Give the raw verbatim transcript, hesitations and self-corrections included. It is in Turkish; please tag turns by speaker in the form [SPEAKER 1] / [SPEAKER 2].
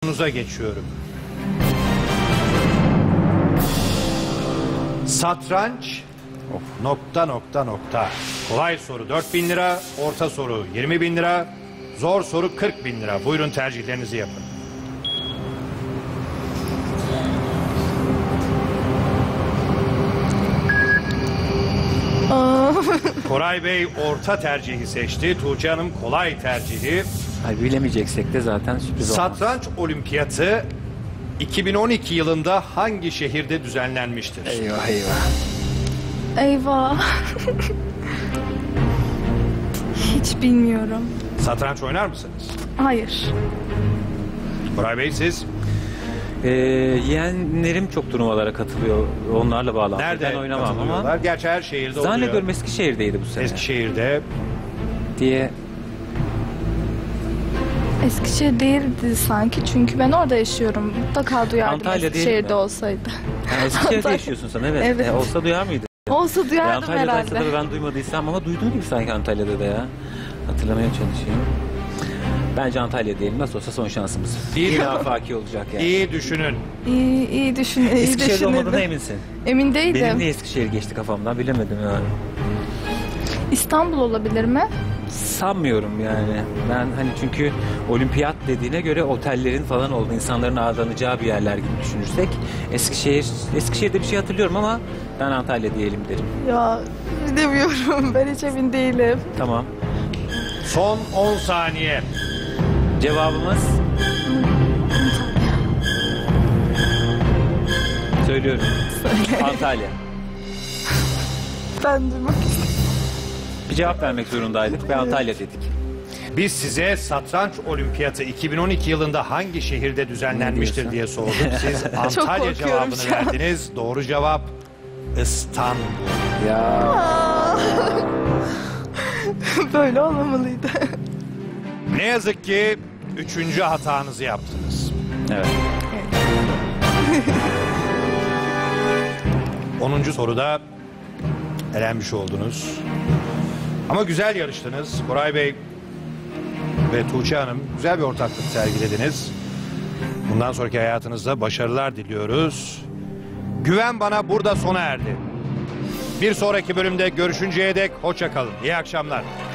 [SPEAKER 1] sorunuza geçiyorum. Satranç nokta nokta nokta. Kolay soru dört bin lira, orta soru yirmi bin lira, zor soru kırk bin lira. Buyurun tercihlerinizi yapın. Koray Bey orta tercihi seçti. Tuğçe Hanım kolay tercihi.
[SPEAKER 2] Hayır, bilemeyeceksek de zaten sürpriz olmaz.
[SPEAKER 1] Satranç Olimpiyatı iki bin on iki yılında hangi şehirde düzenlenmiştir?
[SPEAKER 2] Eyvah eyvah.
[SPEAKER 3] Eyvah. Hiç bilmiyorum.
[SPEAKER 1] Satranç oynar mısınız?
[SPEAKER 3] Hayır.
[SPEAKER 1] Koray Bey siz?
[SPEAKER 2] Ee, yeğenlerim çok turnuvalara katılıyor. Onlarla bağlantılı.
[SPEAKER 1] Nerede
[SPEAKER 2] Ben oynamam
[SPEAKER 1] katılıyorlar?
[SPEAKER 2] ama.
[SPEAKER 1] Gerçi her şehirde oluyor.
[SPEAKER 2] Zannediyorum Eskişehir'deydi bu sene.
[SPEAKER 1] Eskişehir'de.
[SPEAKER 2] Diye.
[SPEAKER 3] Eskişehir değildi sanki çünkü ben orada yaşıyorum. Mutlaka duyardım
[SPEAKER 2] Antalya değil mi?
[SPEAKER 3] Eskişehir'de olsaydı.
[SPEAKER 2] Yani Eskişehir'de
[SPEAKER 3] Antalya.
[SPEAKER 2] yaşıyorsun sen, evet.
[SPEAKER 3] Evet.
[SPEAKER 2] E, olsa duyar mıydı?
[SPEAKER 3] Olsa
[SPEAKER 2] Ya
[SPEAKER 3] duyardım
[SPEAKER 2] Antalya'daysa
[SPEAKER 3] herhalde.
[SPEAKER 2] da ben duymadıysam ama duyduğum gibi sanki Antalya'da da ya. Hatırlamaya çalışayım. Bence Antalya diyelim. Nasıl olsa son şansımız.
[SPEAKER 1] İyi.
[SPEAKER 2] Bir daha faki olacak yani.
[SPEAKER 1] İyi düşünün.
[SPEAKER 3] İyi, iyi düşün, iyi
[SPEAKER 2] Eskişehir'de
[SPEAKER 3] düşünürdüm.
[SPEAKER 2] olmadığına eminsin.
[SPEAKER 3] Emin değildim.
[SPEAKER 2] Benim de Eskişehir geçti kafamdan, bilemedim yani.
[SPEAKER 3] İstanbul olabilir mi?
[SPEAKER 2] Sanmıyorum yani. Ben hani çünkü olimpiyat dediğine göre otellerin falan oldu. İnsanların ağırlanacağı bir yerler gibi düşünürsek. Eskişehir, Eskişehir'de bir şey hatırlıyorum ama ben Antalya diyelim derim.
[SPEAKER 3] Ya bilemiyorum. Ben hiç emin değilim.
[SPEAKER 2] Tamam.
[SPEAKER 1] Son on saniye.
[SPEAKER 2] Cevabımız? Söylüyorum.
[SPEAKER 3] Söyle.
[SPEAKER 2] Antalya.
[SPEAKER 3] Ben duymak istedim.
[SPEAKER 2] Bir cevap vermek zorundaydık ve Antalya dedik.
[SPEAKER 1] Biz size Satranç Olimpiyatı iki bin on iki yılında hangi şehirde düzenlenmiştir diye sorduk. Siz Antalya
[SPEAKER 3] korkuyorum
[SPEAKER 1] cevabını
[SPEAKER 3] şu an.
[SPEAKER 1] verdiniz. Doğru cevap İstanbul.
[SPEAKER 2] Ya.
[SPEAKER 3] Böyle olmamalıydı.
[SPEAKER 1] Ne yazık ki üçüncü hatanızı yaptınız.
[SPEAKER 2] Evet.
[SPEAKER 1] onuncu soruda elenmiş oldunuz. Ama güzel yarıştınız. Koray Bey ve Tuğçe Hanım güzel bir ortaklık sergilediniz. Bundan sonraki hayatınızda başarılar diliyoruz. Güven Bana burada sona erdi. Bir sonraki bölümde görüşünceye dek hoşça kalın. İyi akşamlar.